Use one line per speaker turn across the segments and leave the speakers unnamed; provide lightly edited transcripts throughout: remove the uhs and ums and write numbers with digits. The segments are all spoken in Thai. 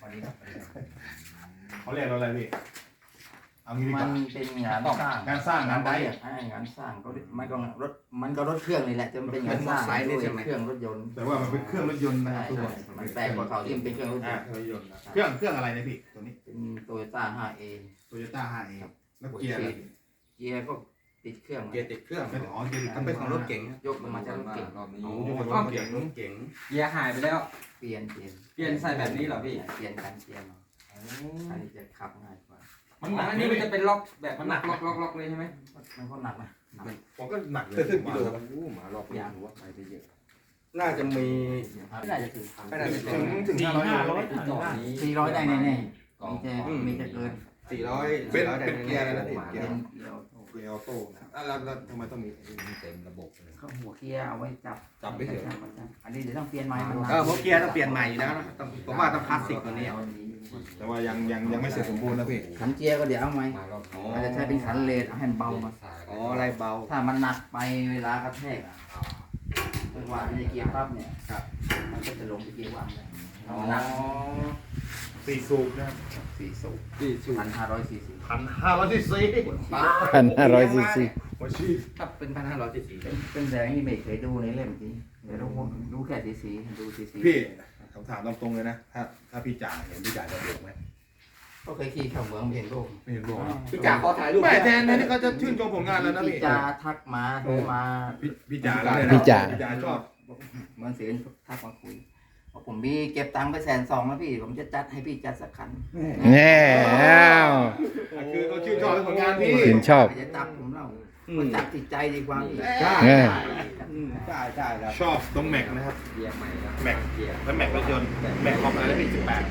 วันนี้เขาเรียกเราอะไรพี่เอางี้ดีก
มั
ว่าน
เป็นงานสร้าง
งานสร้างงานได
งานสร้างก็มันก็รถเครื่องนี่แหละจะเป็นงานสร้างด้วยเครื่องรถยนต์
แต่ว่ามันเป็นเครื่องรถยนต์นะ
ใช่
ตัว
มันแปลกกว่าเขาที่มันเป็นเครื่องรถยนต์
เครื่องรถยนต์นะเครื่องอะไรนะพี่ตัวนี้
เป็นโตโยต้า 5A
Toyota 5A แล้วเกียร์อะไร
เกียร์ก็ติดเครื่อง
เกียร์ติดเครื่อง
ไม่อ๋อเกียร์
มันเป็นของรถเก๋ง
ยกลงมาจากรถเก๋ง
รอบนี้
โอ้
โอ้
ย
รถเก๋งรถเก๋ง
เกียร์หายไปแล้ว
เปลี่ยน
เปลี่ยนใส่แบบนี้เหรอพี่
เปลี่ยนการเกียร์มาอันนี้จะขับง่ายกว่า
มันหนัก
อัน
นี่
นี้
มั
มัน น
จะ
จะเป็นล็อกแบบมันหนักล็อกเลยใช่ไหม
มันก็หนักนะหนัก
ผมก็หนักเลย
จะถึงกิโล
ผมว่า
โอ้หมารอบนี้หัวไปไปเยอะน่าจะมี
ไม่น่าจะถึง
ไม่น่าจะถึ
ถึ
ง
ง500โล
400ได้แน่ๆมีจะเกิน
400
เป็น
ได้
เป็นเกียร์อะไรนะพี่
เกี
เกี
ย
ย
ร์
ร์เกียร์ออโต้นะแล้วทำไมต้องมี
เต็มระบบเลย
เขาหัวเกียร์เอาไว้จับ
จับไม่เฉย
อันนี้เดี๋ยวต้องเปลี่ยนใหม่มัน
หัวเกียร์ต้องเปลี่ยนใหม่อยู่แล้วนะผมว่าต้องคลาสสิกตัวนี้
แต่ว่ายังไม่เสร็จสมบูรณ์นะพี่
ขันเกียร์ก็เดี๋ยวเอาไหม
อ๋อ
อาจจะใช้เป็นขันเลนเอาให้มันเบามา
อ๋ออะไรเบา
ถ้ามันหนักไปเวลากระแทกอ่ะจังหวะที่จะเกียร์ปั๊บเนี่ย
ครับ
มันก็จะลงไปเกียร์ว่างเลย
อ๋อ
หนัก
4 สูบนะครับ
4 สูบ1,500 ซีซี
1,500 ซีซี
1,500 ซีซี
หัวชีพ
ถ้าเป็น1,500ซีซี
เป็นแสงที่ไม่เคยดูในเล่มจริงเดี๋ยวดูแค่ซีซีดูซีซี
พี่ผมถามตรงๆเลยนะถ้าพี่จ่าเห็นพี่จ่าจะเบรกไหม
ก็เคยขี่เข้าเมืองเห็นรูป
ไม่เห็นบอก
พี่จ๋าขอถ่ายรูป
ไม่แทนที่เขาจะชื่นชมผลงานแล้วนะ
พี่
พี่
จาทักมาโทรมา
พี่จ่าแล้วเนี่ย
พี่จ๋า
พี่จ่าชอบ
เหมือนเสียงทักมาคุยบอกผมมีเก็บตังค์ไป120,000แล้วพี่ผมจะจัดให้พี่จัดสักคัน
แน่อ้าว
คือเขาชื่นชอบในผลงานพี่
ชื่นชอบ
ไม่จะจับผมเล่ามันจับจิตใจดีกว่าพี่
ใช่
เออ
ใช่ใช่แล้ว
ชอบตรงแม็กนะครับ
เกียร์ใหม่แล้ว
แม็ก
เกียร์
แล้วแม็กรถยนต์แม็กของอะไรนะพี่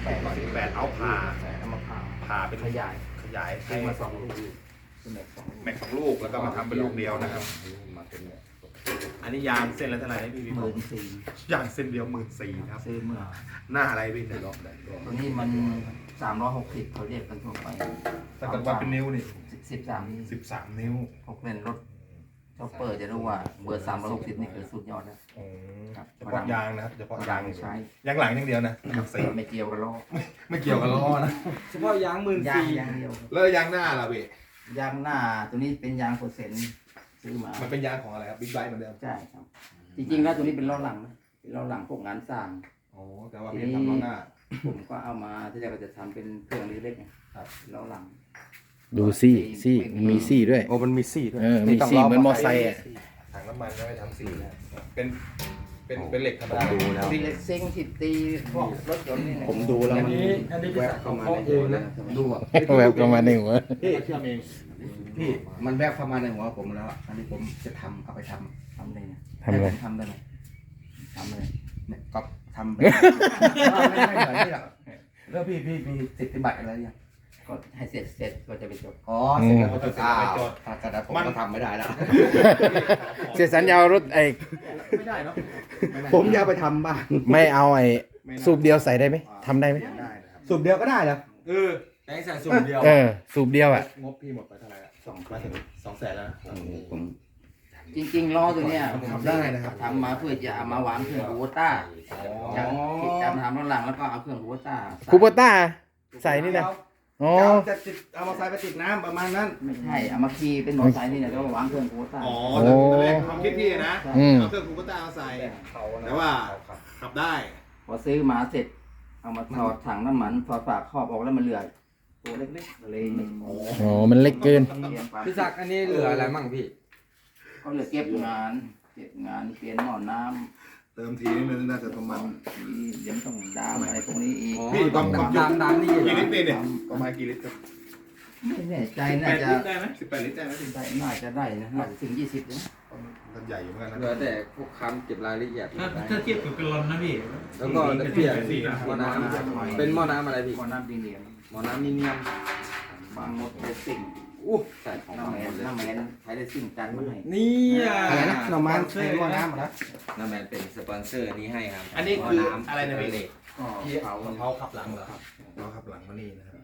18เอาผ่า
เอามาผ่า
ผ่าเป็น
ขยาย
ขยาย
ซื้อมา2 ลูกเป็นแบบ2 ลูก
แม็ก2 ลูกแล้วก็มาทำเป็นลูกเดียวนะครับ อันนี้ยางเส้นละเท่าไหร่นะพี่พี่
14,000
ยางเส้นเดียว14,000ครับ
ซื้อเมื่อ
หน้าอะไรพี่แต่รอบได้
ตัวนี้มัน360เขาเรียกกันทั่วไป
แต่กับว่าเป็นนิ้วนี่
13นี่
13 นิ้ว
พวกเล่นรถชอปเปอร์จะรู้ว่าเบอร์360นี่คือสุดยอดแล้ว ครับ
เฉพาะยางนะครับเฉพาะยาง
ใช้
ยางหลังอย่างเดียวนะสี
ไม่เกี่ยวกับล้อ
ไม่เกี่ยวกับล้อนะ
เฉพาะยาง
ยาง
14,000
ยางเดียว
แล้วยางหน้าล่ะพี่
ยางหน้าตัวนี้เป็นยาง%ซื้อมา
มันเป็นยางของอะไรครับบิ๊กไบค์เหมือนเดิม
ใช่ครับ จริงๆแล้วตัวนี้เป็นล้อหลังนะเป็นล้อหลังพวกงานสร้าง
อ๋อแต่ว่าพี่ทำล้อหน้า
ผมก็เอามาที่แรกก็จะทำเป็นเครื่องเล็กๆไงครับล้อหลัง
ดูซี่มีซี่ด้วย
โอ้มันมีซี่ด้วย
มีซี่เหมือนมอไซค์อ่ะ
ถังน้ำมันก็ไม่ทำสีนะเป็นเหล็กธรรมดา
ดูแล้ว
มีเล็กซิ่งทิดตีพวกรถยนต์นี่นะ
ผมดูแล้ว
อัน
มัน
นี้พี่ศักดิ์เขาเคาะเองนะ
ดูอ่ะ
แบบประมาณนี้หัว
พี่
เชื่อมเอง
พี่มันแวบเข้ามาในหัวผมแล้วอะอันนี้ผมจะทำเอาไปทำ
ทำเลยนะ
ทำอะไร
ทำได้ไหมทำเลย
เนี่ยก็ทำแบบไม่เหมือนที่หรอกแล้วพี่มีสิทธิบัตรอะไรยัง
ก็ให้เสร็จก็จะไปจด
อ๋อเสร็จแล้วก็จะถ้ากระดาษผมก็ทำไม่ได้แล้ว
เสียสัญญารถไอ้
ไม่ได้เนาะ
ผมจะเอาไปทำบ้าง
ไม่เอาไอ้สูบเดียวใส่ได้ไหมทำได้ไหม
ได้นะครับ
สูบเดียวก็ได้เหรอ
แป้งใส่สูงเดียว
สูบเดียวอ่ะ
งบพี่หมดไปเท่าไหร่ละมาถึง200,000แล้วนะ
ผม
จริงๆล้อตัวเนี้ย
ทำได้นะครับ
ทำมาเพื่อจะเอามาวางเครื่องคูโบต้าจะทำรถหลังแล้วก็เอาเครื่องคูโบต้า
คูโบต้าใส่นี่นะอ๋อ
จะติดเอามาใส่ไปติดน้ำประมาณนั้น
ไม่ใช่เอามาขี่เป็นมอเตอร์ไซค์นี่นะแล้วก็วางเครื่องคูโบต้า
อ๋อแต่แรกความคิดพี่นะ
อืม
เอาเครื่องคูเปอร์ต้ามาใส่แต่ว่าขับได้
พอซื้อมาเสร็จ เอามาถอดถังน้ำมันถอดฝาครอบออกแล้วมันเหลือตัวเล็กๆเลยไม่
อ๋อมันเล็กเกิน
พี่ศักดิ์อันนี้เหลืออะไรมั่งพี่
ก็เหลือเก็บงานเปลี่ยนหม้อน้ำ
เติมทีนี่มันน่าจะประมาณ
เดี๋ยวต้องดามอะไรพวกนี้อีก
พี่ความ
ดำนี่
กี่ลิตรเนี่ยประมาณกี่ลิตรครับ
ไม่แน่ใจ
18
น่าจะ
ลิตรได้ไหม18 ลิตรได้ไหมพี่
น่าจะได้นะน่าจะถึง20นะ
มันใหญ่อยู่เหมือนกัน
เหลือ
นะ
แต่พวกคำเก็บรายละเอียด
ถ้าเทียบกับกะลอนนะพี่
แล้วก็ตะเกียบหม้อน้ำเป็นหม้อน้ำอะไรพี่
หม้อน้ำดีเนียม
หม้อน้ำมีเนียม
บางมดเลสซิ่ง
อู้ใส่ของ
น้ำแมนใช้เลสซิ่งจันมาให้
นี่
อะไรนะหน่อไม้ใส่หม้อน้ำเหรอ
น้ำแมนเป็นสปอนเซอร์นี้ให้ครับ
อันนี้คืออะไรนะพี่
เหล็ก
ก็
ที่
เผา
เขาขับหลังเหรอครับเราขับหลังมานี่นะครับ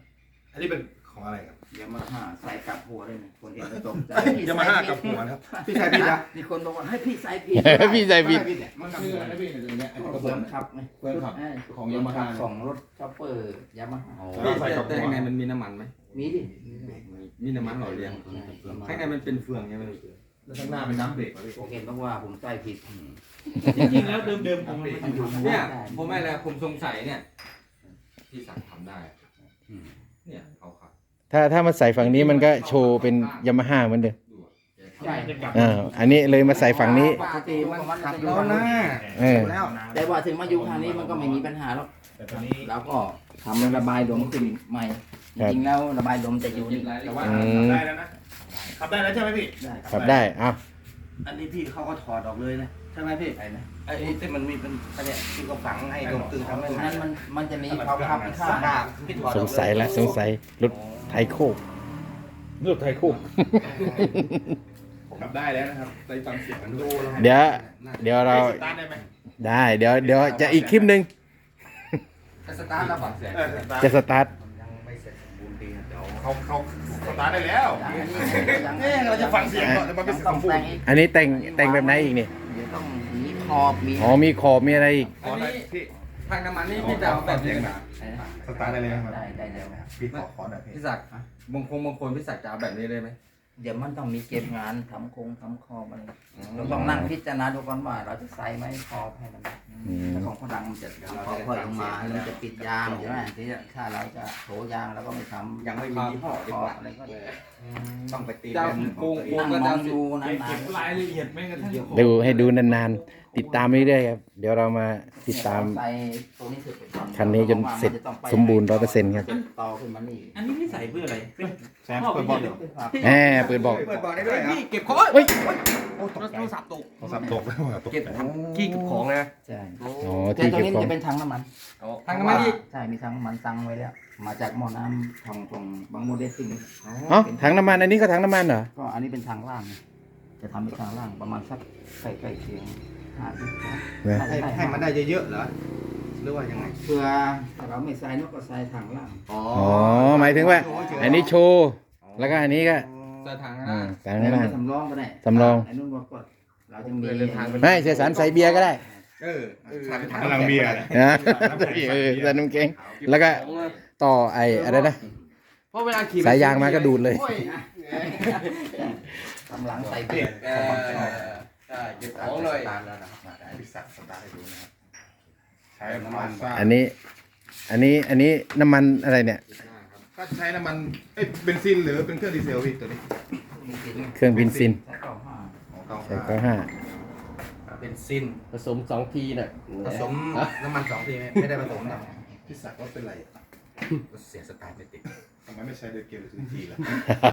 อันนี้เป็นของอะไรครับ
ยามาฮ่าใส่กับหัวเลยนะคนเห็นก็ตกใจ
ยามาฮ่ากับหัวนะครับ
พี่ชายพี่นะ
มีคนบอกว่าให้พี่ใส่ผิด
พี่ใส่ผิด
มันคืออะไรพี่เนี่ย
เฟิร์มขับไง
เฟิร์มขับของยามาฮ่า
ของรถช็อปเปอร์ยามาฮ่า
แต่ข้างในมันมีน้ำมันไหม
มีดิ
มีน้ำมันหล่อเลี้ยงข้างในมันเป็นเฟืองใช่ไหม
แล้วข้างหน้าเป็นน้ำเบรกพี่
ผมเห็นต้องว่าผมใส่ผิด
จริงๆแล้วเดิมๆของมัน
เนี่ยผมไม่แล้วผมสงสัยเนี่ยที่สั่งทำได้เนี่ยเขาขับ
ถ้ามาใส่ฝั่งนี้มันก็โชว์เป็นยามาฮ่าเหมือนเดิม
ดูอะแก
ใช่
ทำ
อันนี้เลยมาใส่ฝั่งนี้
ปกติมันขับ
แล้วหน้า
เออ
แล้ว
แต่ว่าถึงมาอยู่ทางนี้มันก็ไม่มีปัญหาหรอก
แต่ตอนนี้
เราก็ทำระบายลมขึ้นใหม่ จริงๆแล้วระบายลมจะอยู่นี่แต่ว่า
ได้แล้วนะขับได้แล้วใช่ไหมพี่
ได้
ขับได้อ้าว
อันนี้พี่เขาก็ถอดออกเลยนะใช่ไหมพี่
ใช่นะ
ไอ้ที่มันมีเป็นอันเนี้ยที่เขาฝังให้ลมตึงทำให้
ตรง
มั
นั้น นมันจะมีความคับข้าง
บ้าพี่ถอด
สงสัยละสงสัยรถไทยโคกรถไทยโคก
ขับได้แล้วนะครับได้ฟังเสียงมันด้วย
เดี๋ยวเรา
สตาร์ทได้ไหม
ได้เดี๋ยวจะอีกคลิปหนึ่ง
สตาร์ทแล้วบอก
จะสตาร์ท
ยังไม่เสร็จสมบูรณ์ดีนะเดี๋ยว
เขาสตาร์ทได้แล้วเนี่ยเราจะฟังเสียงก่อนแต่มันเป็นเสียง
ต้อง
สมบูร
แต่ง
ณ์
อีก
อันนี้แต่งแบบไหนอีกนี่
เดี๋ยวต้องมีขอบมี
อ๋อมีขอบมีอะไรอีก
อันนี้
พี่
ทางน้ำมันนี่พี่จะเอาแบบนี้นะ
สตาร์ทได้เลยครับ
ได้แล้วครับ
พี่ขอหน่อยพี่
พี่ศักดิ์บางคนพี่ศักดิ์จะเอาแบบนี้เลยไหม
เดี๋ยวมันต้องมีเก็บงานทำทำคอบอะไรเราต้องนั่งพิจารณาดูก่อนว่าเราจะใส่ไหมคอบให้มัน
อืม
แต่ของฝรั่งมันจะค่อยๆลงมามันจะปิดยางใช่ไหมที่ถ้าเราจะโถยางเราก็ไม่ทำ
ยังไม่มียี่ห้อดี
คอก บ
ว่า
อะไรก็
ต้องไปตี
จะ
แบบ
โกง
นั่ง
ก็
ม
จะ
องดูนา
เก็บ
น
รายละเอียดแม้กระทั่ง
ดูให้ดูนานๆ ติดตามเรื่อยๆครับ เดี๋ยวเรามาติดตาม
ใส่ตัวนี้สุด
คันนี้จนเสร็จสมบูรณ์100%ครับ
ต่อขึ้นมานี่
อันนี้ไม่ใส่เพื่ออะไร
แซมเปิดบอลเดี๋ยว
แหมเปิดบอก
เปิดบอลได้ด้วยเหรอ
เก็บของ
เฮ้ย
โอ้ตกใจ
โทรศัพท์ตก
เก็บขี้เก็บของนะ
ใช่
อ๋อ
แต่
ที่
ตัว
เก็บ
นี้
ของ
จะเป็นถังน้ำมัน
ทางน้ำมันนี่
ใช่มีถังน้ำมันตั้งไว้แล้ว มาจากหม้อน้ำของบางโมเดลซิ่ง
อ๋อถังน้ำมันอันนี้ก็ถังน้ำมันเหรอ
ก็อันนี้เป็นทางล่าง จะทำเป็นทางล่างประมาณสักใกล้ๆเคียง50
ให้มันได้เยอะๆเหรอหรือว่ายังไง
เพื่อถ้าเราไม่ใส่นกก็ใส่ทางล่าง
อ๋อ
อ๋อหมายถึงว่า อันนี้โชว์แล้วก็อันนี้ก็
ใส่ถัง
อ่า
นะ
ถัง
แต่
น้ำมัน
สำรองก็ได้
สำรอง
ไอ้นุ่นบอกก็เราจะมี
ไม่เสียสารใส่เบียร์ก็ได้
กำลังเบียร์
นะใส่น้ำแข็งแล้วก็ต่อไอ้อะไรนะ
เพราะเวลาขี่
สายยางมาก็ดูดเลย
กำลังใส่เบียร์
เก็บของเลย
สตาร์ทแล้วนะครับได้พิสักสตาร์ทให้ดูนะครับ
ใช้น้ำมัน
อันนี้น้ำมันอะไรเนี่ย
ก็ใช้น้ำมันเบนซินหรือเป็นเครื่องดีเซลพี่ตัวนี้
เครื่องบินซิน
ใส่เก้าห้า
ใส่ก็ห้า
เป็นซิน
ผสม2 ทีน่ะ
ผสมน้ำมัน2 ทีไม่ได้ผสมนะ
พี่ศักดิ์ว่าเป็นไร
เสียสตาร์ทไม่ติด
ทำไมไม่ใช้เดือดเกลียวหรือทีละ